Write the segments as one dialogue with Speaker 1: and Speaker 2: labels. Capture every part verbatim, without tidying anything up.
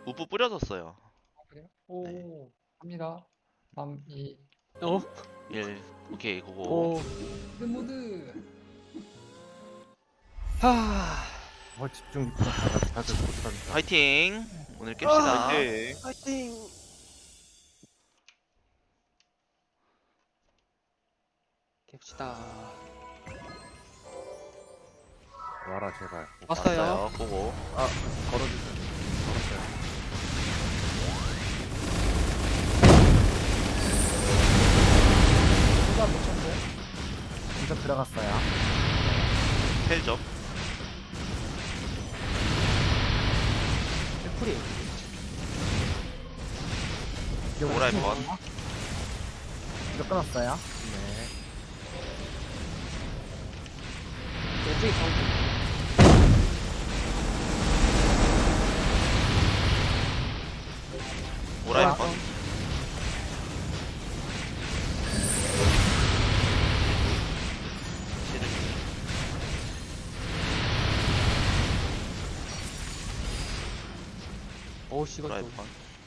Speaker 1: 우프 뿌려졌어요.
Speaker 2: 아, 그래요? 오,
Speaker 1: 네.
Speaker 2: 갑니다. 삼, 이,
Speaker 3: 어?
Speaker 1: 일. 오케이, 그거.
Speaker 3: 오.
Speaker 2: 모드 모드.
Speaker 3: 하.
Speaker 4: 어 집중 집중 다들 다들 못한다.
Speaker 1: 화이팅! 오늘 깹시다.
Speaker 5: 네.
Speaker 3: 파이팅. 깹시다.
Speaker 4: 와라 제발.
Speaker 3: 왔어요.
Speaker 1: 왔어요. 보고.
Speaker 4: 아 걸어주세요. 걸었어요.
Speaker 2: 수가 몇 천데?
Speaker 6: 진짜 들어갔어요.
Speaker 1: 헬점.
Speaker 3: 애플이.
Speaker 1: 오라이 번.
Speaker 6: 이거 끊었어요.
Speaker 4: 네.
Speaker 3: 왼쪽이 가운데.
Speaker 1: 오라이
Speaker 3: 오라이
Speaker 1: 번.
Speaker 3: 번. 어우 씨 이거
Speaker 1: 오라이
Speaker 3: 좀.
Speaker 1: 번.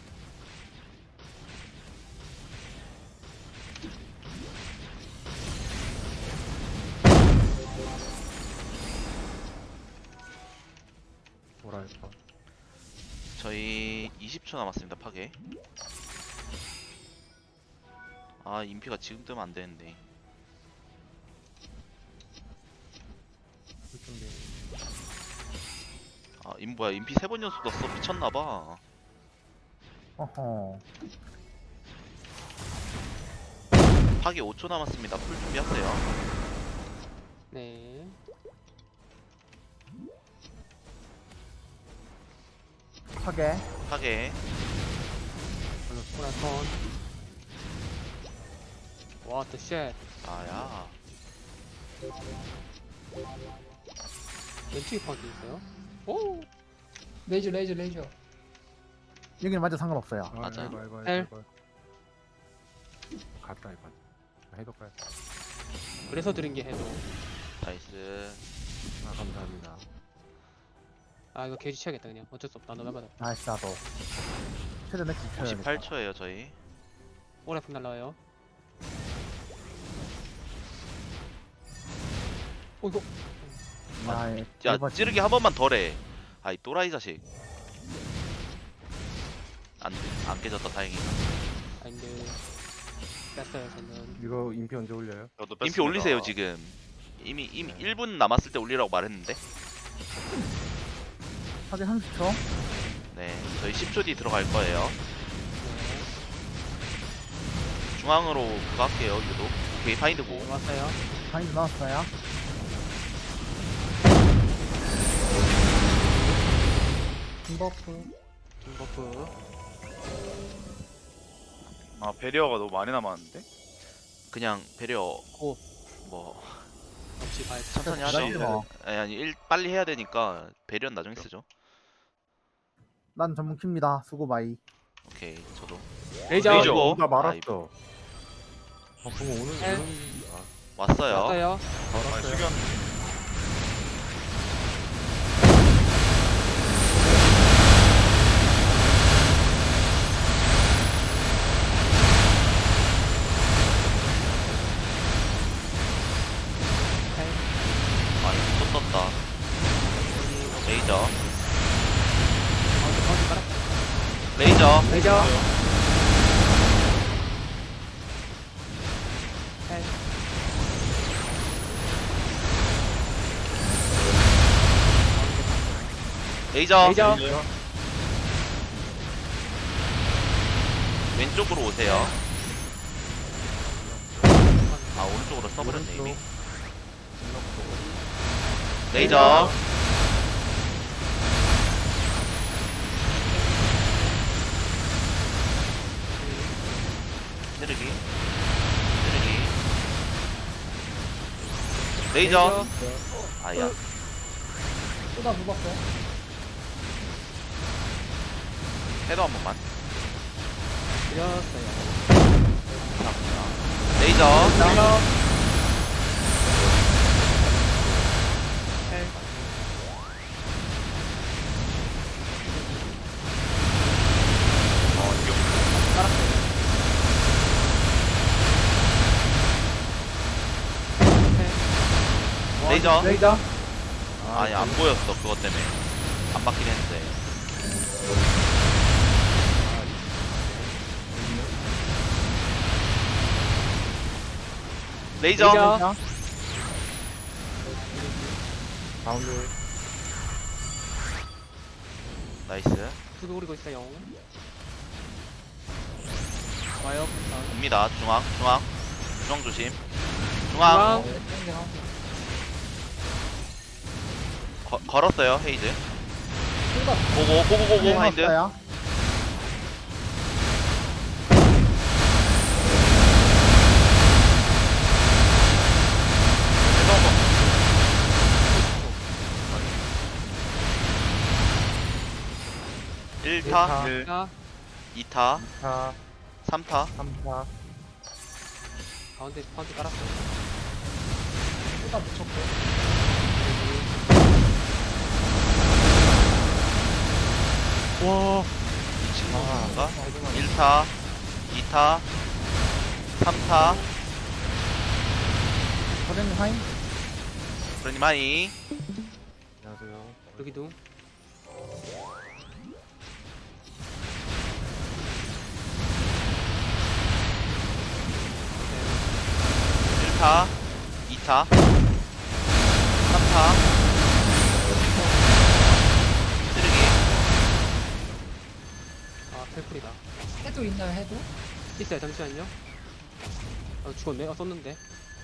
Speaker 4: 뭐랄까.
Speaker 1: 저희 이십 초 남았습니다. 파괴. 아, 인피가 지금 뜨면 안 되는데.
Speaker 4: 그 준비.
Speaker 1: 아, 인 뭐야? 인피 세 번 연속 넣었어. 미쳤나 봐.
Speaker 6: 어허.
Speaker 1: 파괴 오 초 남았습니다. 풀 준비하세요.
Speaker 3: 네.
Speaker 6: 파괴.
Speaker 1: 파괴.
Speaker 3: 오라이 번. 와, 더 쉣.
Speaker 1: 아야.
Speaker 3: 왼쪽이 파운드 있어요? 오.
Speaker 2: 레이저 레이저 레이저.
Speaker 6: 여기는 완전 상관없어요.
Speaker 4: 아,
Speaker 1: 맞아.
Speaker 4: 해봐 해봐
Speaker 3: 헬.
Speaker 4: 해봐. 갔다 이번. 해볼까요?
Speaker 3: 그래서 드린 게 해도.
Speaker 1: 나이스.
Speaker 4: 아 감사합니다.
Speaker 3: 아 이거 게이지 치야겠다 그냥. 어쩔 수 없다. 너 나가다.
Speaker 6: 나이스 나도. 최대 맥주 쳐야겠다.
Speaker 1: 오십팔 초예요, 저희.
Speaker 3: 오라이 번 날라와요. 어 이거.
Speaker 6: 아, 예.
Speaker 1: 야,
Speaker 6: 일번
Speaker 1: 찌르기 한 번만 더 해. 아이 또라이 자식. 안, 안 깨졌다. 다행이다.
Speaker 3: 아닌데. 뺐어요 저는.
Speaker 4: 이거 인피 언제 올려요?
Speaker 5: 저도
Speaker 1: 인피
Speaker 5: 뺐습니다.
Speaker 1: 올리세요, 지금. 이미 이미 일 분 남았을 때 올리라고 말했는데.
Speaker 6: 파괴 삼십 초.
Speaker 1: 네, 저희 십 초 뒤 들어갈 거예요.
Speaker 3: 네.
Speaker 1: 중앙으로 그거 할게요, 유도. 오케이, 파인드 고.
Speaker 3: 네 왔어요.
Speaker 6: 바인드 나왔어요.
Speaker 2: 김버프.
Speaker 3: 김버프.
Speaker 5: 아 배리어가 너무 많이 남았는데?
Speaker 1: 그냥 배려
Speaker 3: 오.
Speaker 1: 뭐
Speaker 3: 역시 발.
Speaker 1: 천천히
Speaker 6: 나이스
Speaker 1: 하죠.
Speaker 6: 뭐.
Speaker 1: 아니, 아니 일 빨리 해야 되니까 배려는 나중에 쓰죠.
Speaker 6: 난 전문 킵니다. 수고 바이.
Speaker 1: 오케이, 저도.
Speaker 3: 레이저.
Speaker 1: 레이저.
Speaker 4: 어, 나
Speaker 1: 아,
Speaker 4: 말았어. 아 그럼 오늘
Speaker 3: 헬.
Speaker 4: 오늘 아
Speaker 1: 왔어요.
Speaker 3: 왔어요.
Speaker 5: 아
Speaker 4: 걸었어요.
Speaker 5: 수견
Speaker 1: 아, 이거 또 떴다. 레이저.
Speaker 3: 가운데 가운데 깔아.
Speaker 1: 레이저.
Speaker 3: 레이저. 헬.
Speaker 1: 레이저.
Speaker 3: 레이저.
Speaker 1: 왼쪽으로 오세요. 아, 오른쪽으로 써버렸네 이미.
Speaker 4: 오른쪽.
Speaker 1: 레이저. 찌르기. 찌르기. 레이저. 아야.
Speaker 2: 쏟아 묵었어요.
Speaker 1: 해도 한 번만.
Speaker 3: 드렸어요.
Speaker 1: 레이저.
Speaker 3: 레이저. 헬.
Speaker 1: 레이저.
Speaker 2: 레이저.
Speaker 1: 아니 안 보였어 그것 때문에. 안 맞긴 했는데. 레이저.
Speaker 3: 레이저.
Speaker 4: 가운데.
Speaker 1: 나이스.
Speaker 3: 두개 오리고 있어요. 와요. 다음.
Speaker 1: 옵니다. 중앙, 중앙, 중앙 조심. 중앙.
Speaker 3: 중앙.
Speaker 1: 거, 걸었어요 헤이즈.
Speaker 2: 쏘다.
Speaker 1: 고고 고고 고고 하인드.
Speaker 6: 왔어요.
Speaker 1: 일 타,
Speaker 4: 타.
Speaker 5: 일.
Speaker 3: 자,
Speaker 1: 이 타,
Speaker 4: 타.
Speaker 1: 삼 타.
Speaker 4: 삼 타.
Speaker 3: 가운데 파운드 깔았어.
Speaker 2: 쏘다 붙였고.
Speaker 3: 와.
Speaker 1: 이 친구가 일 타, 이 타, 삼 타.
Speaker 6: 버렌 하인.
Speaker 1: 그러니 마이.
Speaker 4: 안녕하세요.
Speaker 3: 여기도.
Speaker 1: 일 타, 이 타, 삼 타. 쓰레기.
Speaker 3: 아, 펠풀이다.
Speaker 2: 해도 있나요 해도?
Speaker 3: 있어요. 잠시만요. 아, 죽었네. 아, 썼는데.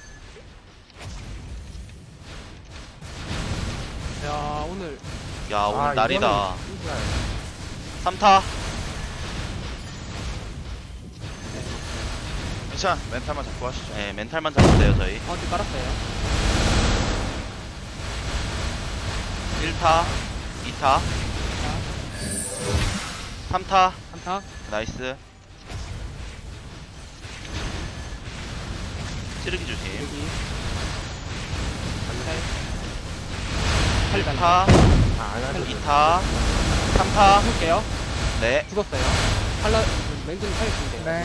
Speaker 3: 야, 오늘
Speaker 1: 야 오늘
Speaker 4: 아,
Speaker 1: 날이다.
Speaker 4: 이거는 진짜
Speaker 1: 삼 타.
Speaker 5: 괜찮아. 멘탈만 잡고 하시죠.
Speaker 1: 네 멘탈만 잡으세요 저희.
Speaker 3: 파운드 깔았어요.
Speaker 1: 일 타, 이 타, 삼 타.
Speaker 3: 삼 타.
Speaker 1: 나이스. 찌르기 조심.
Speaker 3: 여기.
Speaker 1: 일
Speaker 3: 팔.
Speaker 1: 타,
Speaker 4: 아, 안 하죠.
Speaker 1: 이 타, 삼 타.
Speaker 3: 죽을게요.
Speaker 1: 네.
Speaker 3: 죽었어요. 팔라, 맹금이 살려주면 돼요.
Speaker 6: 네.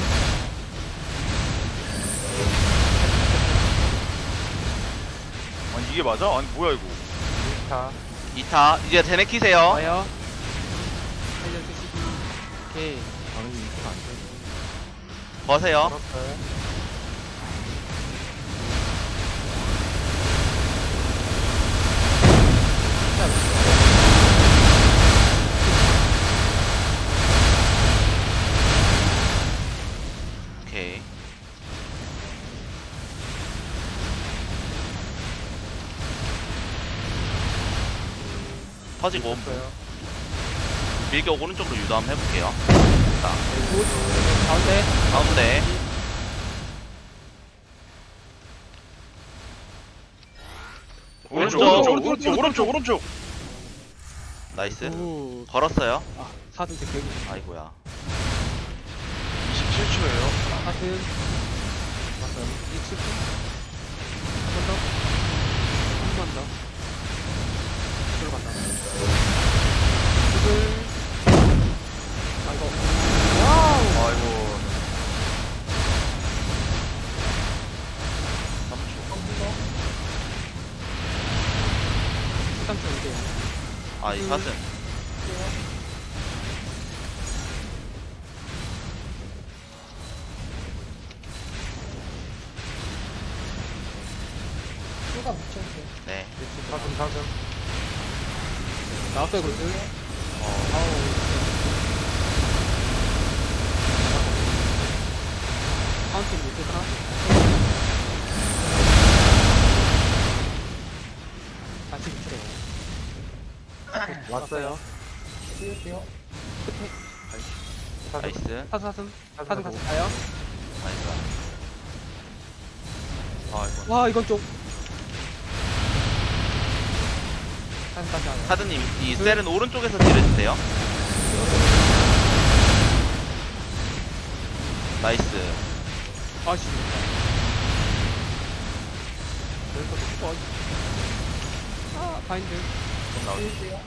Speaker 5: 아니 이게 맞아? 아니 뭐야 이거?
Speaker 4: 일 타.
Speaker 1: 이 타. 이제 대내 키세요.
Speaker 3: 와요. 살려주시기. 오케이.
Speaker 4: 저는 이거 안 돼.
Speaker 1: 거세요.
Speaker 4: 걸었어요.
Speaker 1: 오케이. 터지고
Speaker 4: 걸었어요.
Speaker 1: 밀격 오른쪽으로 유도 한번 해볼게요. 자,
Speaker 3: 굿. 가운데.
Speaker 1: 가운데.
Speaker 5: 오른쪽
Speaker 1: 오른쪽.
Speaker 5: 오른쪽 오른쪽 오른쪽 오른쪽.
Speaker 1: 나이스.
Speaker 3: 굿.
Speaker 1: 걸었어요.
Speaker 3: 아, 사등 제 격이.
Speaker 1: 아이고야.
Speaker 5: 이십칠 초예요.
Speaker 3: 사등. 맞아요. 이십 분. 한번 더. 한 번 더. 들어간다. 구글. 아이고. 와우.
Speaker 5: 아이고.
Speaker 3: 삼 초 이제.
Speaker 1: 아, 이 사슴.
Speaker 2: 쏘다 붙였고.
Speaker 1: 네.
Speaker 4: 사슴, 사슴.
Speaker 3: 나왔어요, 그렇지?
Speaker 1: 어,
Speaker 3: 카운팅 못했나? 같이 붙여요.
Speaker 4: 왔어요.
Speaker 2: 띄울게요.
Speaker 4: 사슴.
Speaker 1: 나이스.
Speaker 3: 사슴, 사슴. 사슴
Speaker 4: 사슴
Speaker 3: 같이
Speaker 4: 보고.
Speaker 3: 가요.
Speaker 1: 나이스. 아이고.
Speaker 3: 와, 이건 좀. 사슴까지 와요.
Speaker 1: 카드님, 이 셀은 오른쪽에서 찌르주세요. 나이스.
Speaker 3: 아씨. 여기서 또 아, 바인드.
Speaker 1: 좀 나오지.
Speaker 2: 띄울게요.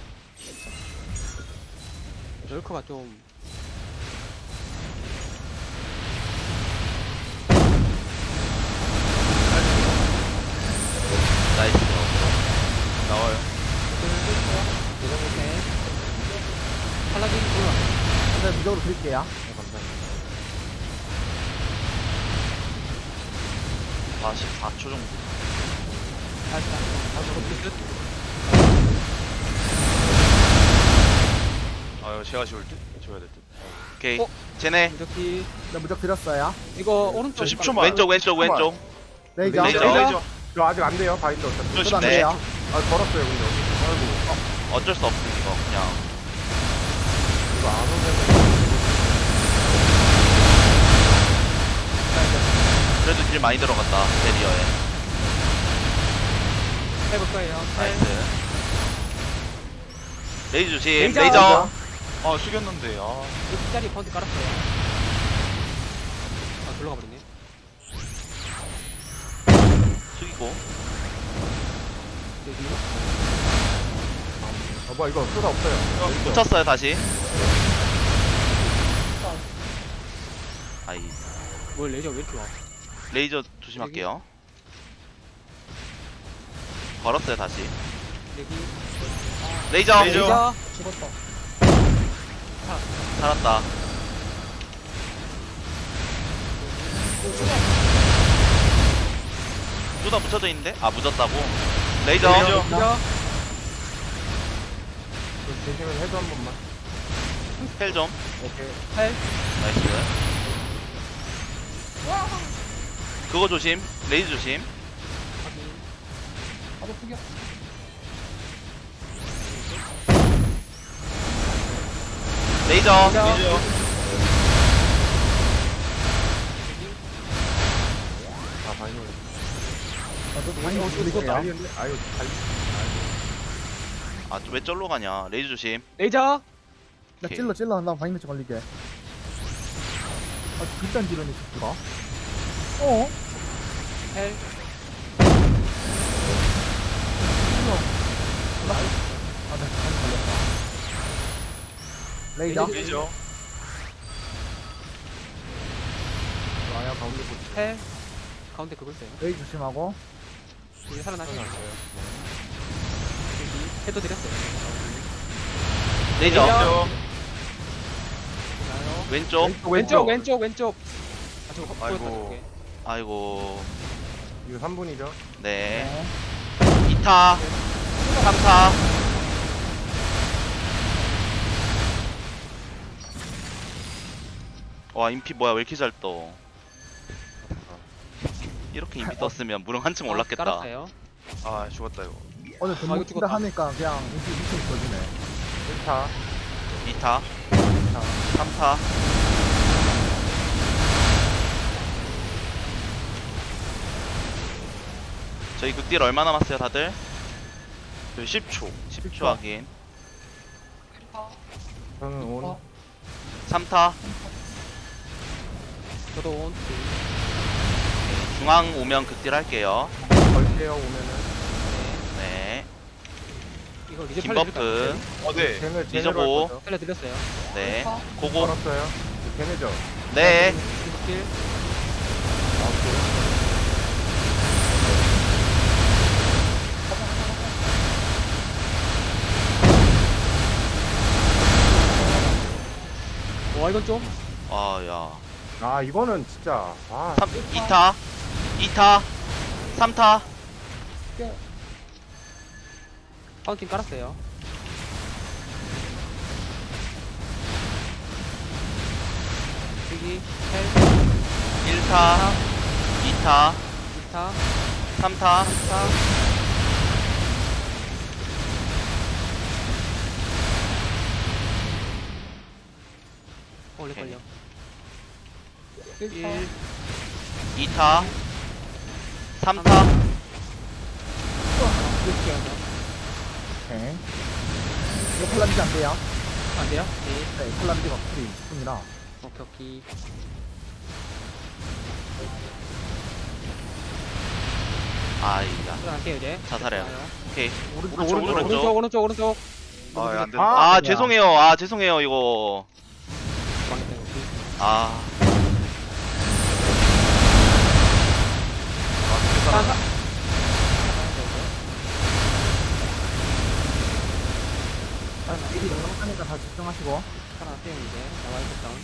Speaker 3: 럴커가 좀.
Speaker 1: 나이스.
Speaker 5: 나와요.
Speaker 3: 예정 못해. 팔라딘 올라.
Speaker 6: 일단 무적으로 드릴게요.
Speaker 4: 네, 감사합니다.
Speaker 1: 사십사 초 정도.
Speaker 3: 살짝. 다시 끝.
Speaker 5: 아 이거 제가 지울 듯? 지워야 될 듯.
Speaker 1: 오케이.
Speaker 3: 어?
Speaker 1: 쟤네
Speaker 3: 무적기.
Speaker 6: 네, 무적 드렸어요.
Speaker 3: 이거 오른쪽.
Speaker 5: 저 십 초만.
Speaker 1: 왼쪽 왼쪽 왼쪽.
Speaker 6: 레이저.
Speaker 1: 레이저.
Speaker 5: 레이저.
Speaker 4: 저 아직 안 돼요, 바인드 어차피.
Speaker 5: 저
Speaker 6: 저도 안
Speaker 1: 네.
Speaker 6: 돼요.
Speaker 4: 아, 걸었어요, 근데. 아이고,
Speaker 1: 어쩔 수 없음 이거 그냥.
Speaker 4: 이거 안 오면.
Speaker 1: 그래도 딜 많이 들어갔다 베리어에.
Speaker 3: 해볼 거예요.
Speaker 1: 나이스. 레이저 조심.
Speaker 3: 레이저.
Speaker 1: 레이저.
Speaker 5: 아 숙였는데. 아.
Speaker 3: 이 자리 파운드 깔았어요. 아, 돌아가 버리네.
Speaker 1: 숙이고.
Speaker 3: 여기.
Speaker 4: 어, 뭐, 이거 쏘다 없어요.
Speaker 1: 붙였어요 다시. 아이.
Speaker 3: 뭘 레이저 왜 이렇게 와?
Speaker 1: 레이저 조심할게요. 걸었어요 다시.
Speaker 3: 여기.
Speaker 1: 레이저.
Speaker 5: 레이저.
Speaker 3: 레이저.
Speaker 2: 죽었다.
Speaker 1: 살았다. 뚜다 붙여져 있는데? 아 묻었다고? 레이저.
Speaker 5: 레이저.
Speaker 3: 레이저.
Speaker 4: 대신은 해도 한 번만.
Speaker 1: 펠 좀.
Speaker 4: 오케이.
Speaker 3: 팔.
Speaker 1: 나이스. 그거 조심. 레이저 조심.
Speaker 3: 확인.
Speaker 2: 바로 숙여.
Speaker 1: 레이저.
Speaker 5: 레이저.
Speaker 4: 아, 바인드.
Speaker 6: 저도
Speaker 4: 아니,
Speaker 6: 바인드
Speaker 4: 어, 이거
Speaker 6: 드릴게요.
Speaker 4: 난리인데? 아유, 달
Speaker 1: 아 왜 쩔로 가냐. 레이저 조심.
Speaker 3: 레이저.
Speaker 6: 나
Speaker 1: 오케이.
Speaker 6: 찔러 찔러 한 다음 바인드 좀 걸리게. 아, 일단 지르네 새끼가. 어?
Speaker 3: 팔.
Speaker 6: 아, 네, 바인드 걸렸다. 레이저.
Speaker 3: 레이저.
Speaker 5: 레이저.
Speaker 4: 와야 가운데 보지.
Speaker 3: 팔. 가운데 그걸 써요.
Speaker 6: 레이저 조심하고.
Speaker 3: 이제 살아나세요. 여기. 해도 드렸어요.
Speaker 1: 레이저.
Speaker 3: 레이저.
Speaker 1: 왼쪽.
Speaker 4: 왼쪽,
Speaker 3: 왼쪽, 왼쪽, 왼쪽. 아, 저거
Speaker 5: 아이고.
Speaker 3: 보였다, 저게.
Speaker 1: 아이고.
Speaker 4: 이거 삼 분이죠?
Speaker 1: 네.
Speaker 6: 네.
Speaker 1: 이 타. 삼 타. 와 인피 뭐야 왜 이렇게 잘 떠. 이렇게 인피 떴으면 무릉 한층 올랐겠다.
Speaker 3: 깔았어요.
Speaker 5: 아 죽었다 이거.
Speaker 6: 오늘
Speaker 3: 이거
Speaker 6: 전부
Speaker 3: 죽었다.
Speaker 6: 다 하니까 그냥 인기 미친 거지네.
Speaker 4: 일 타.
Speaker 1: 이 타. 삼 타. 저희 극딜 얼마 남았어요 다들?
Speaker 5: 저희 십 초.
Speaker 1: 십 초 확인.
Speaker 4: 저는 온.
Speaker 2: 어.
Speaker 1: 삼 타.
Speaker 3: 저도 온.
Speaker 1: 중앙 오면 극딜 할게요.
Speaker 4: 걸게요, 오면은.
Speaker 1: 네.
Speaker 3: 이거 리저
Speaker 1: 긴
Speaker 3: 팔려
Speaker 1: 버프.
Speaker 5: 어 네.
Speaker 4: 쟤네,
Speaker 1: 리저
Speaker 4: 쟤네로
Speaker 1: 보.
Speaker 4: 할 거죠?
Speaker 3: 살려드렸어요.
Speaker 1: 네.
Speaker 2: 어.
Speaker 1: 고고.
Speaker 4: 걸었어요. 걔네죠?
Speaker 1: 네.
Speaker 3: 길.
Speaker 4: 아, 오케이.
Speaker 3: 와, 이건 좀.
Speaker 1: 아, 야.
Speaker 4: 아, 이거는 진짜. 아,
Speaker 1: 삼, 이 타. 이 타. 삼 타.
Speaker 3: 파운틴 깔았어요. 여기 팔,
Speaker 1: 일 타. 이 타.
Speaker 3: 이 타,
Speaker 1: 삼 타.
Speaker 3: 삼 타. 어, 원래 걸려. 일,
Speaker 1: 이 타. 삼 타.
Speaker 3: 이렇게 하나.
Speaker 6: 오케이. 이거 콜라비지 안 돼요?
Speaker 3: 안 돼요? 네.
Speaker 6: 네, 콜라비지가 풀이 십 분이라.
Speaker 3: 오케이, 오케이.
Speaker 1: 아이야.
Speaker 3: 들어갈게요, 이제.
Speaker 1: 자살해요. 오케이.
Speaker 6: 오른쪽,
Speaker 5: 오른쪽,
Speaker 6: 오른쪽.
Speaker 3: 오른쪽, 오른쪽, 오른쪽.
Speaker 5: 아 안 된다.
Speaker 1: 아,
Speaker 6: 아,
Speaker 1: 죄송해요. 아, 죄송해요. 이거.
Speaker 3: 망했다, 이거.
Speaker 1: 아.
Speaker 3: 사, 사.
Speaker 6: 미리 영상하니까 다 집중하시고.
Speaker 3: 살아났어요 이제. 나와요 다운.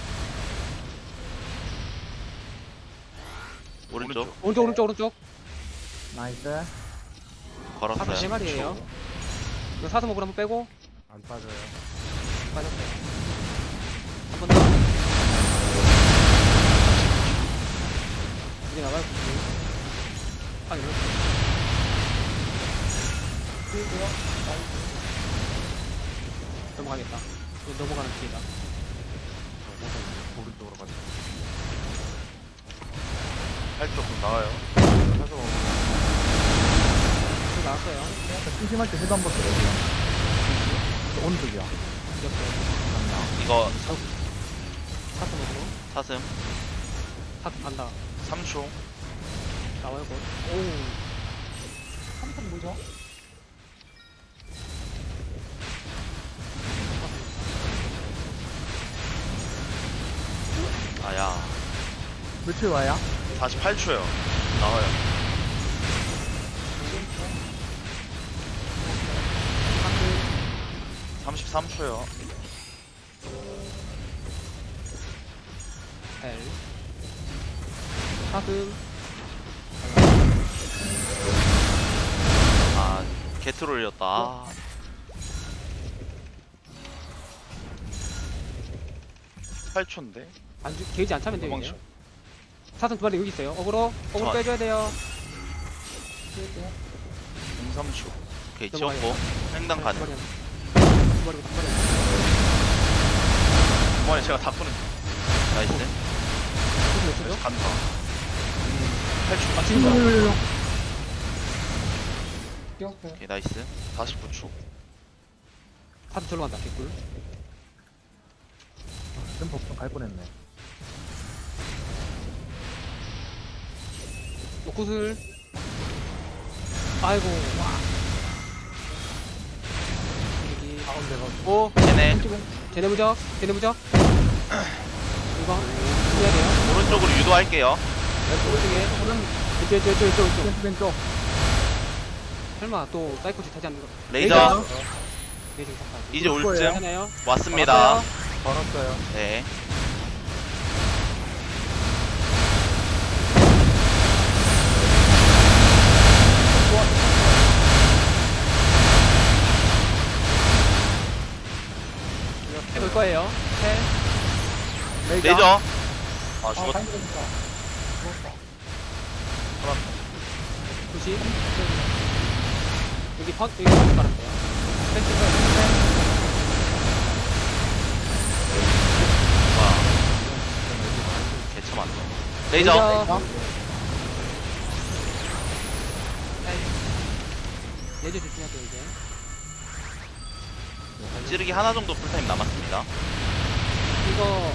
Speaker 1: 오른쪽
Speaker 3: 오른쪽 오른쪽 오른쪽.
Speaker 6: 나이스.
Speaker 3: 사슴
Speaker 1: 걸었어요.
Speaker 3: 세 마리예요. 이거 사슴 목을 한번 빼고
Speaker 4: 안 빠져요.
Speaker 3: 빠졌어요. 한 번 더. 이제 나가요. 아 이거. 넘어가겠다. 이거 넘어가는 길이다.
Speaker 4: 오른쪽으로 가자.
Speaker 5: 팔 쪽 나와요.
Speaker 4: 사서
Speaker 3: 저 나왔어요.
Speaker 6: 심심할 때 해도 한번 들어주세요. 오른쪽이요.
Speaker 3: 이겼어요.
Speaker 1: 이거
Speaker 3: 사슴 목으로.
Speaker 1: 사슴
Speaker 3: 사슴 간다.
Speaker 5: 삼 초.
Speaker 3: 나와요 곧. 오.
Speaker 2: 삼성 뭐죠?
Speaker 1: 아야
Speaker 6: 며칠 와야?
Speaker 5: 사십팔 초요. 나와요. 삼십삼 초요.
Speaker 3: L. 사슴.
Speaker 1: 아 개트롤이었다. 아,
Speaker 5: 팔 초인데.
Speaker 3: 안 주, 게이지 안 차면 돼요 이제.
Speaker 5: 도망쳐.
Speaker 3: 사슴 두 마리 여기 있어요. 어그로. 어그로
Speaker 1: 저-
Speaker 3: 빼줘야 돼요.
Speaker 5: 공삼 초.
Speaker 1: 오케이
Speaker 3: 넘어가요.
Speaker 1: 지웠고 횡단
Speaker 3: 두
Speaker 1: 가능.
Speaker 3: 마리 하나. 두 마리고 두 마리.
Speaker 5: 이번에 제가 다 푸는.
Speaker 1: 나이스.
Speaker 3: 무슨 몇 초죠?
Speaker 5: 간다. 팔 초.
Speaker 3: 아 지금
Speaker 2: 뛰었어요.
Speaker 1: 오케이 나이스.
Speaker 5: 사십구 초.
Speaker 3: 사슴 절로 간다. 개꿀.
Speaker 6: 좀 법좀 갈 뻔했네.
Speaker 3: 노굿을. 아이고. 와. 여기.
Speaker 4: 가운데 가.
Speaker 3: 오.
Speaker 1: 쟤네
Speaker 3: 제네 무적. 제네 무적. 이거 해야 돼요.
Speaker 1: 오른쪽으로 유도할게요.
Speaker 3: 오른쪽에. 왼쪽 왼쪽 왼쪽 왼쪽 왼쪽.
Speaker 6: 왼쪽 왼쪽.
Speaker 3: 설마 또 사이코치 타지 않는 거.
Speaker 1: 레이저
Speaker 3: 레이저 잠깐.
Speaker 1: 이제 올 쯤
Speaker 3: 하나요?
Speaker 1: 왔습니다.
Speaker 4: 걸었어요.
Speaker 1: 네.
Speaker 3: 해볼 거예요. 셋.
Speaker 6: 레이저.
Speaker 1: 레이저
Speaker 5: 아
Speaker 2: 아,
Speaker 5: 죽었다.
Speaker 2: 바인드 되니까. 죽었다.
Speaker 3: 구십. 여기 펀, 여기 펀 깔았어요. 펜스 펜스.
Speaker 1: 와 개참 안 돼. 레이저
Speaker 3: 레이저 조심하세요 이제.
Speaker 1: 찌르기 하나 정도 풀타임 남았습니다.
Speaker 3: 이거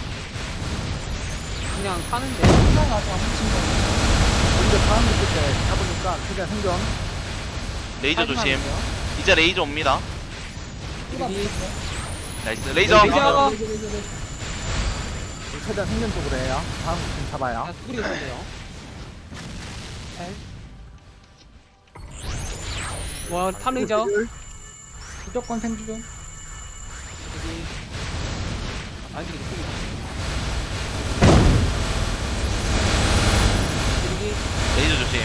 Speaker 3: 그냥 타는데.
Speaker 2: 하나 나서 훔친 거.
Speaker 6: 먼저 다음 밑에 때 잡으니까 최대한 생존.
Speaker 1: 레이저
Speaker 3: 타이밍
Speaker 1: 조심.
Speaker 3: 하는데요.
Speaker 1: 이제 레이저 옵니다.
Speaker 3: 여기
Speaker 1: 나이스. 레이저
Speaker 3: 레이저.
Speaker 6: 최대한 생존 쪽으로 해요. 다음 팀 잡아요.
Speaker 3: 아, 수그리 있는데요. 와, 탐 레이저.
Speaker 2: 무조건 생존.
Speaker 3: 여기. 아, 이게 느낌이. 여기.
Speaker 1: 레이저 조심.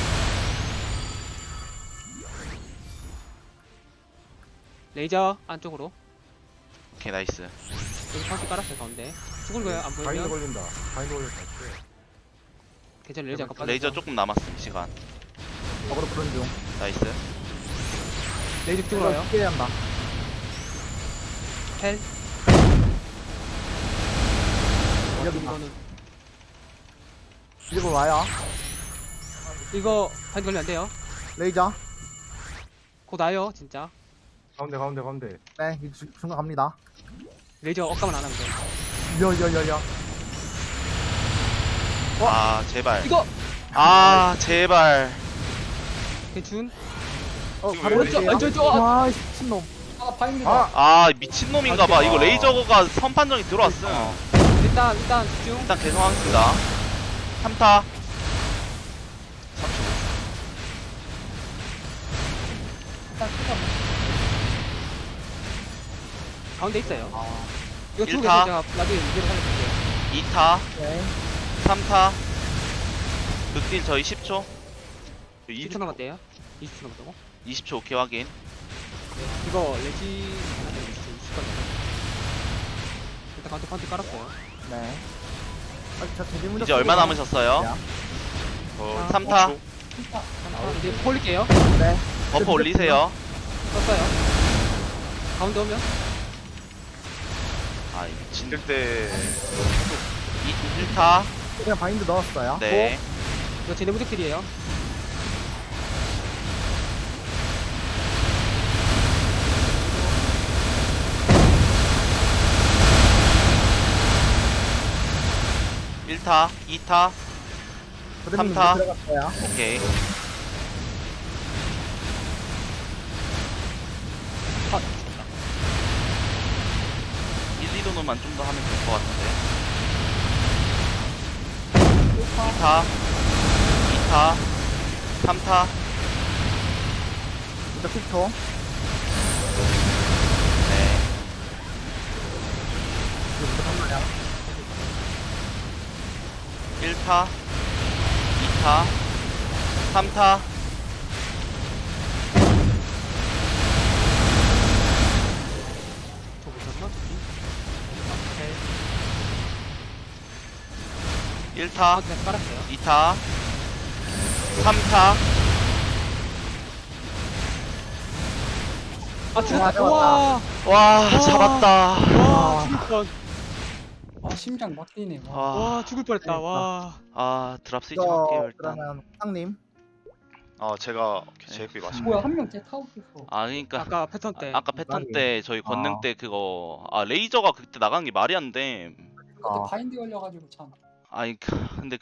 Speaker 3: 레이저 안쪽으로.
Speaker 1: 오케이 나이스.
Speaker 3: 여기 파운티 깔았어요 가운데. 죽은 거예요 안
Speaker 4: 바인드
Speaker 3: 보이면.
Speaker 4: 걸린다. 바인드 걸렸다.
Speaker 3: 괜찮아 레이저 아까 빠졌어.
Speaker 1: 레이저 조금 남았음 시간.
Speaker 6: 어그로 푸른 중.
Speaker 1: 나이스.
Speaker 3: 레이저 쪽으로 와요.
Speaker 6: 피해야 한다.
Speaker 3: 텔.
Speaker 6: 여기
Speaker 3: 이거는
Speaker 6: 이쪽으로 와요.
Speaker 3: 이거 파인트 걸리면 안 돼요.
Speaker 6: 레이저.
Speaker 3: 곧 와요 진짜.
Speaker 4: 가운데 가운데 가운데.
Speaker 6: 네, 이 주- 중간 갑니다.
Speaker 3: 레이저 억감은 안 하면 돼.
Speaker 6: 여여여여.
Speaker 1: 아 제발.
Speaker 3: 이거
Speaker 1: 아 제발.
Speaker 3: 괜춘.
Speaker 6: 어,
Speaker 5: 이거
Speaker 6: 바로
Speaker 5: 왜
Speaker 3: 왼쪽
Speaker 6: 올게요.
Speaker 3: 왼쪽 왼쪽.
Speaker 6: 와, 이 미친놈.
Speaker 2: 아, 바인드다.
Speaker 4: 아!
Speaker 1: 아 미친놈인가봐. 이거 레이저가 선판정이 들어왔음.
Speaker 3: 일단 일단 집중.
Speaker 1: 일단 개성하겠습니다. 삼 타.
Speaker 2: 일단
Speaker 3: 가운데 있어요.
Speaker 2: 아,
Speaker 3: 이거 두고
Speaker 1: 일타.
Speaker 3: 계세요. 제가 나중에 이대로 살려줄게요.
Speaker 1: 이 타,
Speaker 6: 네.
Speaker 1: 삼 타. 극딜 저희 십 초.
Speaker 3: 이십 초 남았대요. 이십 초 남았다고?
Speaker 1: 이십 초 오케이 확인.
Speaker 3: 네. 이거 레지 하나 이십 초 이십 분 일단 가운데 파운드 깔았어요.
Speaker 6: 네. 아, 저 대리문자
Speaker 1: 이제 얼마
Speaker 6: 쓰고
Speaker 1: 남으셨어요?
Speaker 6: 야.
Speaker 5: 어,
Speaker 1: 삼 타.
Speaker 5: 오 초.
Speaker 2: 진짜.
Speaker 3: 아, 이제 폴릴게요.
Speaker 6: 네.
Speaker 1: 버퍼 올리세요.
Speaker 3: 썼어요. 가운데 오면
Speaker 1: 아 미친.
Speaker 5: 이럴 때
Speaker 1: 일 타.
Speaker 6: 그냥 바인드 넣었어요.
Speaker 1: 네.
Speaker 3: 이거 제 내부적들이에요.
Speaker 1: 일 타, 이 타.
Speaker 6: 대리문
Speaker 1: 삼 타.
Speaker 6: 들어갔어요.
Speaker 1: 오케이.
Speaker 3: 아,
Speaker 1: 일, 이 도노만 좀 더 하면 될 것 같은데. 이 타, 이 타, 삼 타.
Speaker 6: 무적 십 초.
Speaker 1: 네.
Speaker 6: 무적 한 마리야.
Speaker 1: 일 타, 이 타, 삼 타.
Speaker 3: 저 못했나? 저기? 오케이.
Speaker 1: 일 타,
Speaker 3: 아, 그냥 깔았어요.
Speaker 1: 이 타, 삼 타.
Speaker 3: 아, 죽었다.
Speaker 6: 잡았다.
Speaker 3: 와,
Speaker 1: 와, 잡았다.
Speaker 3: 와, 죽을 뻔.
Speaker 2: 아 심장 막히네. 와.
Speaker 1: 와,
Speaker 3: 와, 죽을 뻔했다. 와.
Speaker 1: 아, 드랍 스위치
Speaker 6: 이거
Speaker 1: 할게요, 일단.
Speaker 6: 그러면 상님.
Speaker 5: 아 제가 제이피 마시고
Speaker 2: 뭐야 한 명째 타고 있어.
Speaker 1: 아, 그러니까
Speaker 3: 아까 패턴 때.
Speaker 1: 아까 패턴 때 저희 권능
Speaker 6: 아.
Speaker 1: 때 그거 아 레이저가 그때 나간 게 말이 안 돼.
Speaker 2: 그때
Speaker 6: 아.
Speaker 2: 바인드 걸려가지고 참.
Speaker 1: 아니 근데